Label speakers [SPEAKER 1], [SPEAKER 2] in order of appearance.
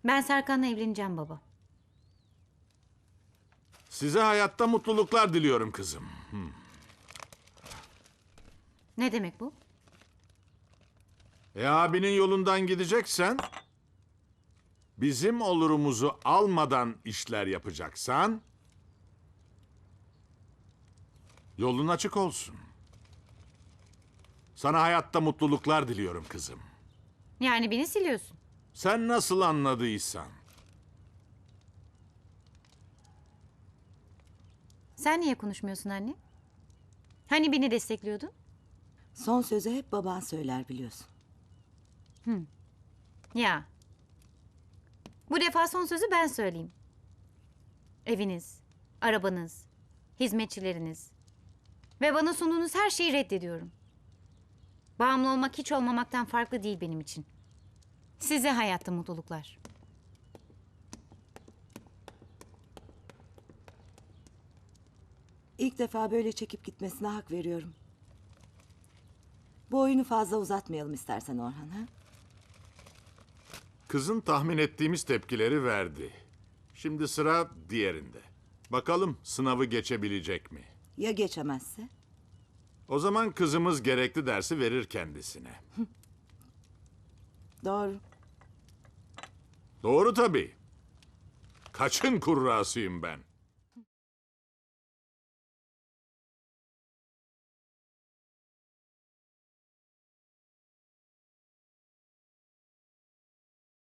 [SPEAKER 1] Ben Serkan'la evleneceğim baba.
[SPEAKER 2] Size hayatta mutluluklar diliyorum kızım.
[SPEAKER 1] Ne demek bu?
[SPEAKER 2] Abinin yolundan gideceksen, bizim olurumuzu almadan işler yapacaksan, yolun açık olsun. Sana hayatta mutluluklar diliyorum kızım.
[SPEAKER 1] Yani beni siliyorsun.
[SPEAKER 2] Sen nasıl anladıysan.
[SPEAKER 1] Sen niye konuşmuyorsun anne? Hani beni destekliyordun?
[SPEAKER 3] Son sözü hep baban söyler biliyorsun.
[SPEAKER 1] Ya. Bu defa son sözü ben söyleyeyim. Eviniz, arabanız, hizmetçileriniz ve bana sunduğunuz her şeyi reddediyorum. Bağımlı olmak hiç olmamaktan farklı değil benim için. Size hayatta mutluluklar.
[SPEAKER 3] İlk defa böyle çekip gitmesine hak veriyorum. Bu oyunu fazla uzatmayalım istersen Orhan, ha?
[SPEAKER 2] Kızın tahmin ettiğimiz tepkileri verdi. Şimdi sıra diğerinde. Bakalım sınavı geçebilecek mi?
[SPEAKER 3] Ya geçemezse?
[SPEAKER 2] O zaman kızımız gerekli dersi verir kendisine.
[SPEAKER 3] Doğru.
[SPEAKER 2] Doğru tabii. Kaçın kurrasıyım ben.